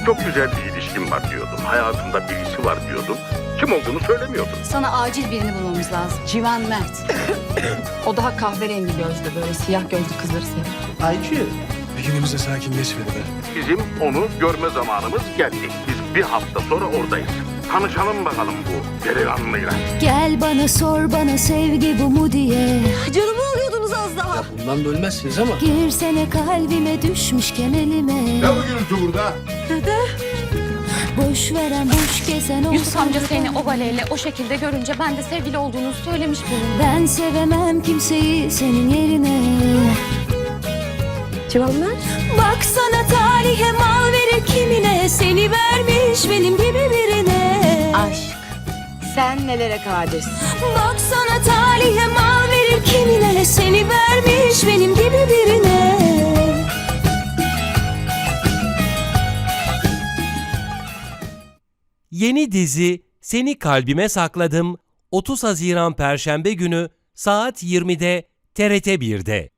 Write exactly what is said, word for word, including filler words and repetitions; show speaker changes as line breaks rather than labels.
Çok güzel bir ilişkim var diyordun. Hayatımda birisi var diyordun. Kim olduğunu söylemiyordun.
Sana acil birini bulmamız lazım. Civan Mert. O daha kahverengi gözlü, böyle siyah gözlü kızları seviyor.
I Q.
Bir günümüz de sakinleşmedi be.
Bizim onu görme zamanımız geldi. Biz bir hafta sonra oradayız. Tanışalım bakalım bu delikanlıyla.
Gel bana sor bana sevgi bu mu diye.
Canımı alıyordunuz az daha.
Ya bundan bölmezsiniz ama.
Girsene kalbime düşmüşken elime.
Ne bu gürültü burada?
Boş veren boş gezen
Yusuf amca
ortalıkta.
seni o baleyle o şekilde görünce ben de sevgili olduğunu söylemiş bulundum.
Ben sevemem kimseyi senin yerine.
Civanlar.
Baksana talihe mal verir kimine. Seni vermiş benim gibi birine.
Aşk. Sen nelere kadirsin?
Baksana talihe mal verir kimine. Seni vermiş benim gibi birine.
Yeni dizi Seni Kalbime Sakladım otuz Haziran Perşembe günü saat yirmide T R T bir'de.